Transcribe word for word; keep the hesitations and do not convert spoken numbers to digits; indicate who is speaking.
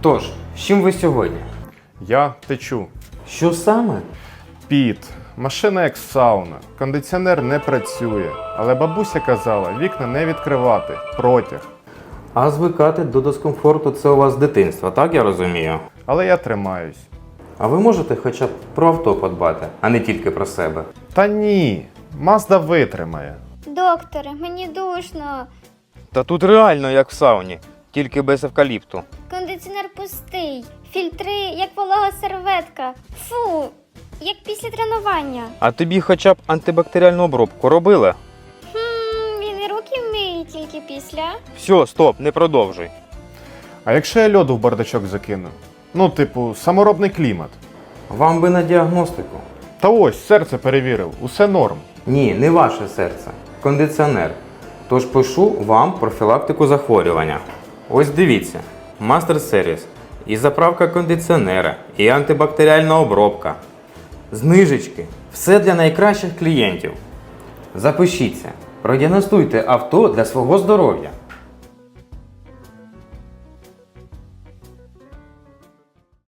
Speaker 1: Тож, з чим ви сьогодні?
Speaker 2: Я течу.
Speaker 1: Що саме?
Speaker 2: Піт. Машина як сауна. Кондиціонер не працює. Але бабуся казала, вікна не відкривати. Протяг.
Speaker 1: А звикати до дискомфорту – це у вас з дитинства, так я розумію?
Speaker 2: Але я тримаюсь.
Speaker 1: А ви можете хоча б про авто подбати, а не тільки про себе?
Speaker 2: Та ні. Мазда витримає.
Speaker 3: Докторе, мені душно.
Speaker 4: Та тут реально як в сауні, тільки без евкаліпту.
Speaker 3: Кондиціонер пустий. Фільтри, як волога серветка. Фу, як після тренування.
Speaker 4: А тобі хоча б антибактеріальну обробку робили?
Speaker 3: Хм, він і руки вмиє тільки після.
Speaker 4: Все, стоп, не продовжуй.
Speaker 2: А якщо я льоду в бардачок закину? Ну, типу, саморобний клімат.
Speaker 1: Вам би на діагностику.
Speaker 2: Та ось, серце перевірив. Усе норм.
Speaker 1: Ні, не ваше серце. Кондиціонер. Тож пишу вам профілактику захворювання. Ось дивіться. Мастер сервіс. І заправка кондиціонера, і антибактеріальна обробка. Знижечки. Все для найкращих клієнтів. Запишіться. Продіагностуйте авто для свого здоров'я.